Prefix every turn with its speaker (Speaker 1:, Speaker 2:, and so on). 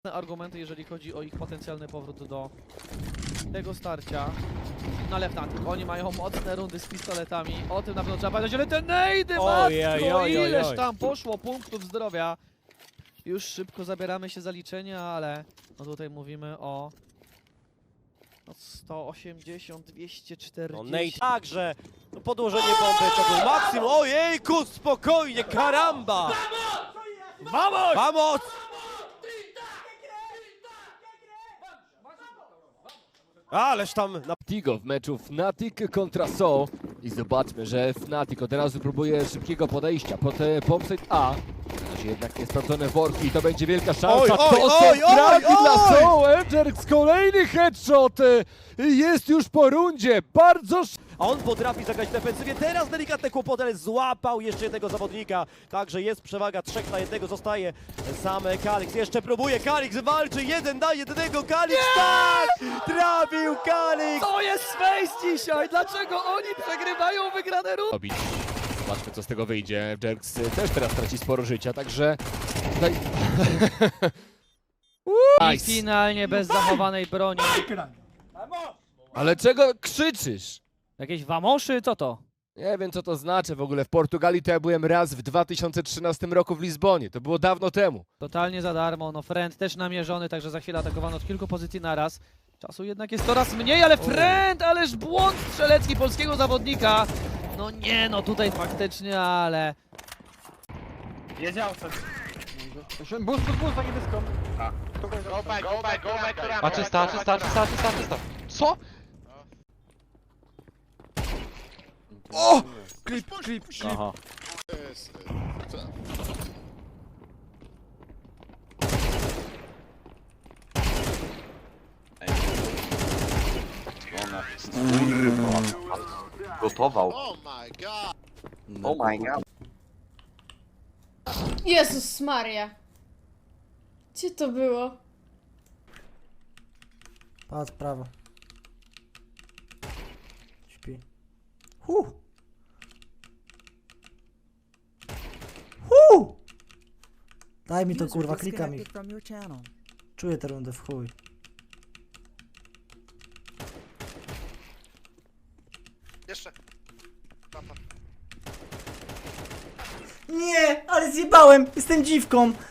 Speaker 1: argumenty, jeżeli chodzi o ich potencjalny powrót do tego starcia. Na Lefnatic. Oni mają mocne rundy z pistoletami. O tym na pewno trzeba pamiętać, ale te nejdy, matko, ileż tam poszło punktów zdrowia. Już szybko zabieramy się za liczenie, ale no tutaj mówimy o 180, 240.
Speaker 2: No Nate także, no podłożenie bomby to był maksimum, ojejku, spokojnie, karamba!
Speaker 1: Vamos!
Speaker 2: Vamos! Ależ tam na...
Speaker 3: Tigo w meczu Fnatic kontra So i zobaczmy, że Fnatic od razu próbuje szybkiego podejścia pod bombsite A. To się jednak niesprawdzone worki i to będzie wielka szansa.
Speaker 2: Oj, oj,
Speaker 3: To
Speaker 2: oj,
Speaker 3: są fragi
Speaker 2: oj,
Speaker 3: dla
Speaker 2: oj!
Speaker 3: So. Edgerks kolejny headshot jest już po rundzie. Bardzo
Speaker 2: A on potrafi zagrać w defensywie, teraz delikatne kłopoty, ale złapał jeszcze jednego zawodnika. Także jest przewaga 3 na 1, zostaje sam Kalix. Jeszcze próbuje, Kalix walczy, 1 na 1, Kalix, tak! Trafił Kalix!
Speaker 1: To jest Face dzisiaj! Dlaczego oni przegrywają wygrane rundy?
Speaker 3: robić. Zobaczmy, co z tego wyjdzie. Jerks też teraz traci sporo życia, także tutaj...
Speaker 1: I
Speaker 3: Nice.
Speaker 1: finalnie bez zachowanej broni.
Speaker 3: Ale czego krzyczysz?
Speaker 1: Jakieś wamoszy? Co to?
Speaker 3: Nie wiem, co to znaczy w ogóle. W Portugalii to ja byłem raz w 2013 roku w Lizbonie. To było dawno temu.
Speaker 1: Totalnie za darmo. No Friend też namierzony, także za chwilę atakowano od kilku pozycji naraz. Czasu jednak jest coraz mniej, ale Friend, ależ błąd strzelecki polskiego zawodnika. No nie, no tutaj faktycznie, ale...
Speaker 4: Wiedział coś. Boost za niebieską.
Speaker 5: Go back,
Speaker 6: A czysta. Co?
Speaker 2: O! Klip.
Speaker 6: Aha. Gotował.
Speaker 5: Oh my god!
Speaker 6: Oh my god.
Speaker 7: Jezus Maria. Gdzie to było?
Speaker 8: Patrz, prawo. Śpi. Daj mi to kurwa, klika mi. Czuję tę rundę w chuj.
Speaker 5: Jeszcze.
Speaker 8: Nie, ale zjebałem! Jestem dziwką!